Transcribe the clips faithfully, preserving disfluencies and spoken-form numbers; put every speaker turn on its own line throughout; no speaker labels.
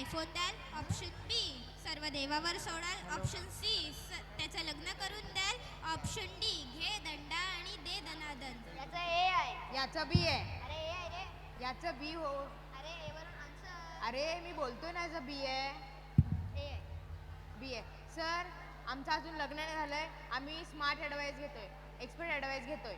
IPhone द्याल, option be serve देवावर सोडाल, option C त्याचं लग्न करून द्याल, ऑप्शन डी घे दंडा आणि दे दनादन.
याचा ए आहे.
याचं बी आहे.
अरे ए आहे रे.
याचं बी हो.
अरे ए वरून आन्सर.
अरे मी बोलतोय ना याचं बी आहे.
ए आहे.
बी आहे. सर आमचं अजून लग्न नाही झालंय. आम्ही स्मार्ट ॲडवाईस घेतोय, एक्सपर्ट ॲडवाईस घेतोय.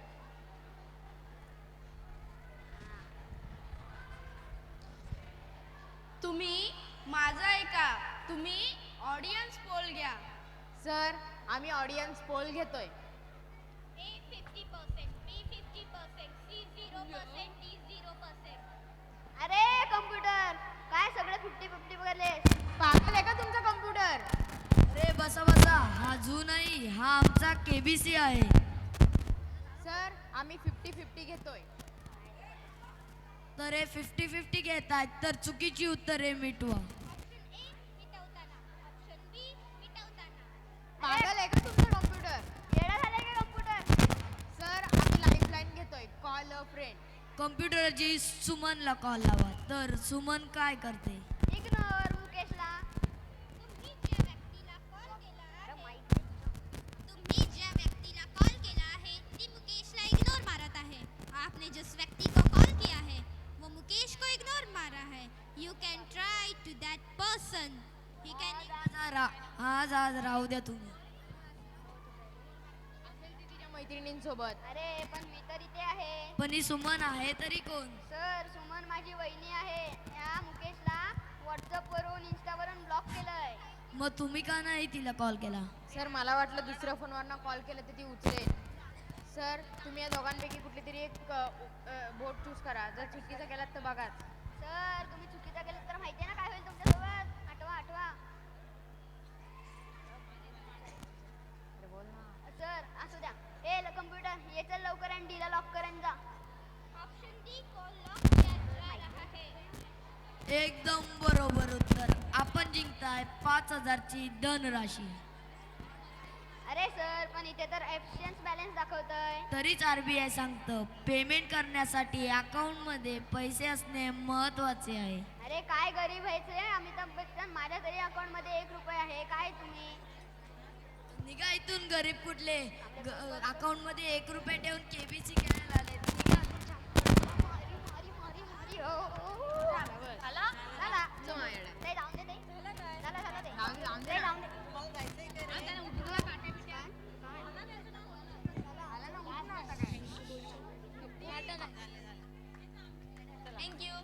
तुम्ही माझं ऐका, तुम्ही ऑडियन्स पोल घ्या.
सर आम्ही ऑडियन्स पोल घेतोय.
A fifty percent, B fifty percent, C zero percent, D zero percent.
अरे कम्प्युटर काय सगळे फिफ्टी फिफ्टी वगैरे.
पागल आहे का तुमचा कम्प्युटर?
अरे बसा बसा, हा झू नाही, हा आमचा केबीसी आहे.
सर आम्ही फिफ्टी फिफ्टी घेतोय.
तर हे फिफ्टी फिफ्टी घेत आहेत तर चुकीची उत्तरे मिटवा.
ऑप्शन ए मिटवताना, ऑप्शन बी मिटवताना.
पागल आहे का तुमचा कम्प्युटर?
येडा झालाय का कम्प्युटर?
सर आम्ही लाईफलाईन घेतोय, कॉल अ फ्रेंड.
कम्प्युटरची सुमनला कॉल लावा. तर सुमन काय करते?
इग्नोर मुकेशला.
तुम्ही ज्या व्यक्तीला कॉल केला
अरे
आहे,
माहिती आहे.
तुम्ही ज्या व्यक्तीला कॉल केला है ती मुकेश ला इग्नोर मारत है. आपने जिस व्यक्ति को कॉल किया है वो मुकेश को इग्नोर मारा है. You can try to that person. He can
आज आज रा- आज आज राहू द्या तुम्ही.
असेल ती तिच्या मैत्रिणींसोबत.
अरे पण मी तर इथे आहे.
पण ही सुमन आहे तरी कोण?
सर सुमन माझी वहिनी आहे. या मुकेशला व्हॉट्सअप वरून इंस्टावरून ब्लॉक केलंय.
मग तुम्ही का नाही तिला कॉल केला?
सर मला वाटलं दुसऱ्या फोनवरनं कॉल केलं तर ती उचलेल. सर तुम्ही या दोघांपैकी कुठली तरी एक बोट चूज करा. जर चुकीचं केलात तर बघाच.
सर तुम्ही चुकीचं केलं तर माहिती आहे ना काय होईल तुमच्यासोबत. आठवा आठवा.
अरे बोल ना.
सर असू द्या. ए कम्प्युटर ये चल लवकर आणि डीला लॉक कर आणि जा.
ऑप्शन डी को लॉक किया जा रहा है.
एकदम बरोबर उत्तर. आपण जिंकताय पाच हजारची धनराशी.
अरे सर पण इथे तर एफिशियन्स बॅलन्स दाखवतंय.
तरीच आरबीआय सांगतं पेमेंट करण्यासाठी अकाउंटमध्ये पैसे असणे महत्वाचे आहे.
अरे काय गरीब व्हायचे अमिताभ बच्चन. माझ्या तरी अकाउंट मध्ये एक रुपये आहे. काय तुम्ही
निघा इथून गरीब कुठले. अकाउंट मध्ये एक रुपये ठेवून केबीसी काय